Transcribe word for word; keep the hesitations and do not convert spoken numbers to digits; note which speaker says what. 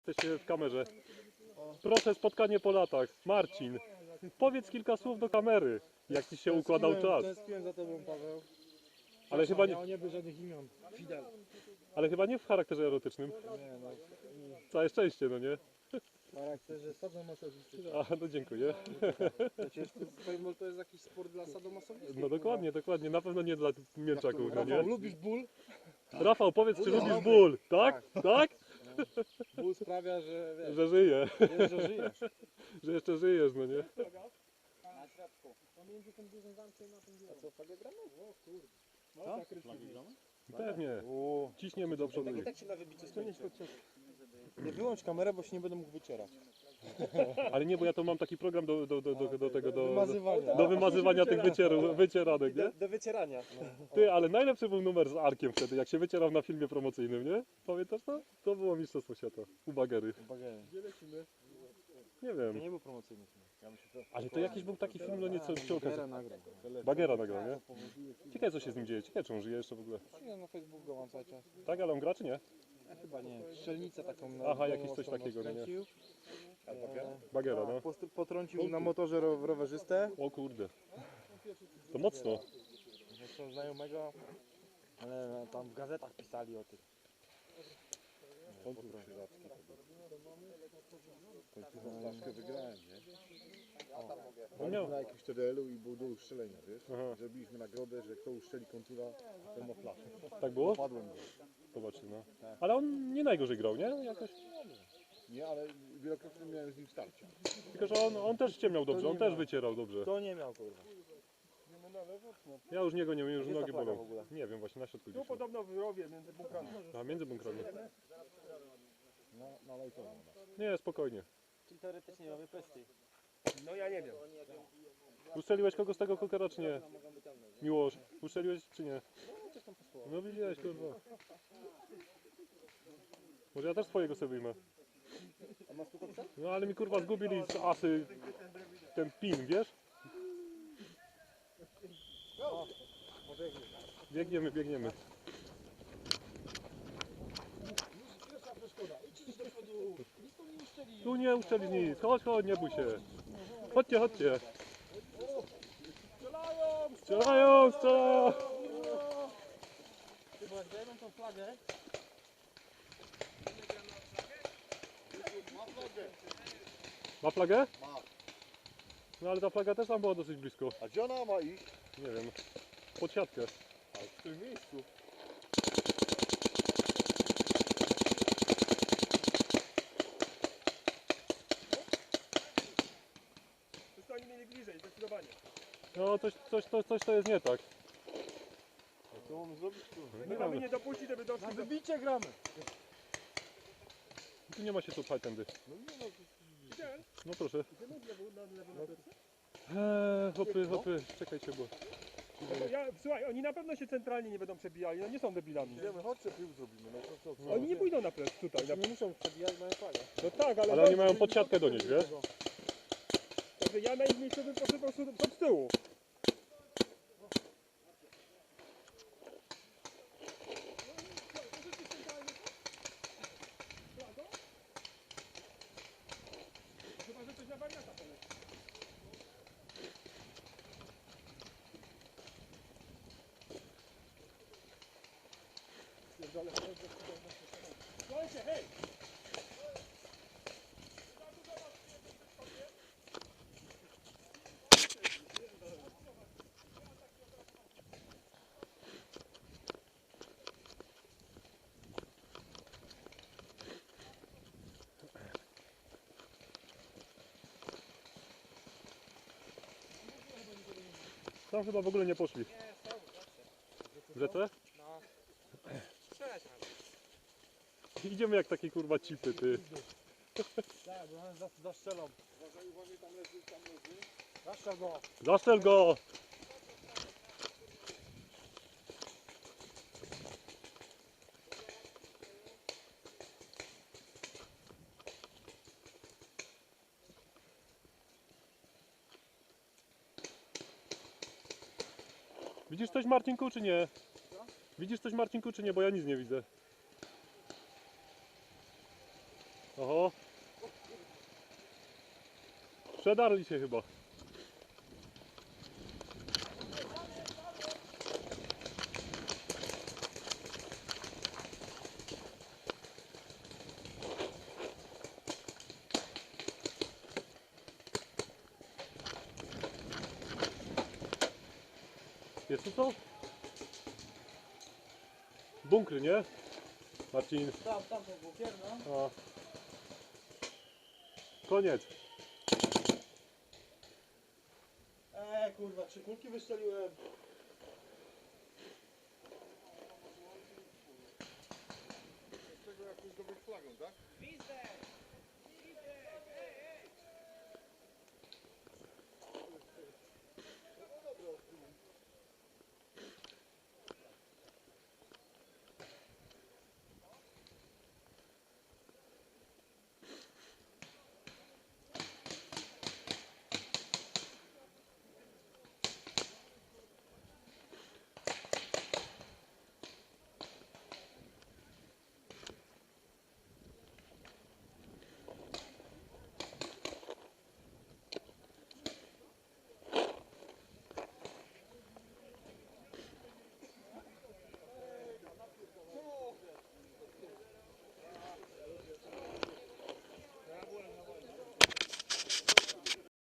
Speaker 1: Jesteście w kamerze. Proszę, spotkanie po latach. Marcin, powiedz kilka słów do kamery, jak ci się układał czas.
Speaker 2: Tęskniłem za tobą, Paweł.
Speaker 1: Ale chyba nie,
Speaker 2: Miało nie być żadnych imion. Fidel.
Speaker 1: ale chyba nie w charakterze erotycznym.
Speaker 2: Nie no.
Speaker 1: Całe szczęście, no nie?
Speaker 2: W charakterze sadomasochistycznym.
Speaker 1: A, no dziękuję.
Speaker 2: Przecież to, to jest jakiś sport dla sadomasochistów.
Speaker 1: No dokładnie, dokładnie. Na pewno nie dla mięczaków, no
Speaker 2: Rafał,
Speaker 1: nie?
Speaker 2: lubisz ból?
Speaker 1: Rafał, powiedz, czy lubisz ból? Tak? Tak?
Speaker 2: Ból sprawia, że wiesz,
Speaker 1: Że żyje.
Speaker 2: wiesz, że żyjesz.
Speaker 1: Że jeszcze żyjesz, no nie?
Speaker 2: Na środku. Pomiędzy tym dużym zamkiem a tym biurem. A co, flagę gramy? O kurde.
Speaker 3: Co? Flagę gramy?
Speaker 1: Pewnie.
Speaker 2: O.
Speaker 1: Ciśniemy do przodu.
Speaker 2: Tak i tak się na wybicie skończy. Nie wyłącz kamerę, bo się nie będę mógł wycierać.
Speaker 1: Ale nie, bo ja to mam taki program do, do, do, do, do tego, do,
Speaker 2: Wymazywania.
Speaker 1: do wymazywania tych wycierów, wycieranek, nie?
Speaker 2: Do, do wycierania.
Speaker 1: Ty, ale najlepszy był numer z Arkiem wtedy, jak się wycierał na filmie promocyjnym, nie? Pamiętasz to? To było Mistrzostwo Świata. U Bagery.
Speaker 2: Gdzie lecimy?
Speaker 1: Nie
Speaker 2: To
Speaker 1: wiem.
Speaker 2: nie był promocyjny film.
Speaker 1: Ale to jakiś był taki film, no nieco przy okazji.
Speaker 2: Bagera nagrał.
Speaker 1: Bagera nagrał, nie? Ciekawe co się z nim dzieje, ciekawe czy on żyje jeszcze w ogóle.
Speaker 2: Nie, na Facebooku go mam cały czas.
Speaker 1: Tak, ale on gra czy nie?
Speaker 2: Ja chyba nie. Strzelnicę taką na
Speaker 1: Aha,
Speaker 2: na
Speaker 1: jakiś coś
Speaker 2: mocno
Speaker 1: takiego, no nie?
Speaker 2: skręcił.
Speaker 1: Bagera, no.
Speaker 2: Tak, post- potrącił na motorze ro rowerzystę.
Speaker 1: O kurde. To mocno.
Speaker 2: Zresztą znajomego, ale tam w gazetach pisali o tym.
Speaker 3: Konkurs sieradzki to był. Końcówą flaszkę wygrałem, nie?
Speaker 1: On miał...
Speaker 3: Na jakimś T D L-u i był do ustrzelenia, wiesz?
Speaker 1: Aha.
Speaker 3: Zrobiliśmy nagrodę, że kto uszczeli kontura, ten ma flaszkę.
Speaker 1: Tak było?
Speaker 3: Padłem go.
Speaker 1: Zobaczcie, no. Ale on nie najgorzej grał, nie? Jakoś.
Speaker 3: Nie, ale wielokrotnie miałem z nim starcia.
Speaker 1: Tylko, że on, on też ściemniał dobrze, on też wycierał dobrze.
Speaker 2: To nie miał kurwa.
Speaker 1: Ja już niego nie wiem, już
Speaker 2: Gdzie jest
Speaker 1: nogi
Speaker 2: ta flaga
Speaker 1: bolą.
Speaker 2: w ogóle?
Speaker 1: Nie wiem, właśnie na środku
Speaker 4: Tu
Speaker 1: gdzieś.
Speaker 4: podobno w rowie między bunkrami.
Speaker 1: A między bunkrami.
Speaker 3: Na, na lajtową.
Speaker 1: Nie, spokojnie.
Speaker 2: Czyli teoretycznie mamy pesty.
Speaker 4: No ja nie wiem.
Speaker 1: Ustrzeliłeś kogo z tego kokera czy nie? Miłosz, ustrzeliłeś czy nie? No widziałeś, kurwa. Może ja też swojego sobie wyjmę.
Speaker 2: A masz tu kopca?
Speaker 1: No ale mi kurwa zgubili z asy ten pin, wiesz? Biegniemy, biegniemy. Tu nie uszczeli nic, chodź, chodź, nie bój się. Chodźcie, chodźcie. Strzelają, strzelają.
Speaker 2: Ty, bo jak dajemy tą flagę,
Speaker 1: Ma flagę?
Speaker 3: Ma.
Speaker 1: No ale ta flaga też tam była dosyć blisko.
Speaker 3: A gdzie ona ma iść?
Speaker 1: Nie wiem. Pod siatkę.
Speaker 3: A w którym miejscu?
Speaker 4: Już to oni mieli bliżej, zdecydowanie.
Speaker 1: No coś, coś, coś, coś to jest nie tak.
Speaker 3: A co mamy zrobić?
Speaker 1: Nie
Speaker 4: My mamy
Speaker 1: wiem.
Speaker 4: nie dopuścić, żeby doszli do...
Speaker 2: wybicie gramy.
Speaker 1: Tu nie ma się tu pchać tędy.
Speaker 4: Gdzie?
Speaker 1: No proszę.
Speaker 4: Gdzie na lewo, na lewo, na plecy?
Speaker 1: Eee, hopy, hopy, czekajcie, bo...
Speaker 4: No bo ja, słuchaj, oni na pewno się centralnie nie będą przebijali, no nie są debilami.
Speaker 3: Idziemy, chodźcie, pił zrobimy. No to co? co?
Speaker 4: Oni nie pójdą na plec tutaj. Na...
Speaker 2: Nie muszą przebijać, mają flagę.
Speaker 4: No tak, ale...
Speaker 1: Ale oni mają pod siatkę donieść, wiesz?
Speaker 4: Także ja na ich miejscu bym poszedł po prostu od tyłu. Chyba, że coś na wariata poleci. Słuchajcie, hej!
Speaker 1: Tam chyba w ogóle nie poszli. W rzece?
Speaker 2: No. Strzelać nawet.
Speaker 1: Idziemy jak takie kurwa cipy, ty.
Speaker 2: Tak, bo on zas- zastrzelą. Zastrzel go.
Speaker 1: Zastrzel go! Widzisz coś, Marcinku, czy nie? Widzisz coś, Marcinku, czy nie? Bo ja nic nie widzę. Oho. Przedarli się chyba. Jest tu co? Bunkry, nie? Marcin.
Speaker 2: Tam, tam to bunkier, no.
Speaker 1: A. Koniec.
Speaker 2: Eee, kurwa, trzy kulki wystrzeliłem.
Speaker 3: Z tego jakąś zdobyć flagą, tak?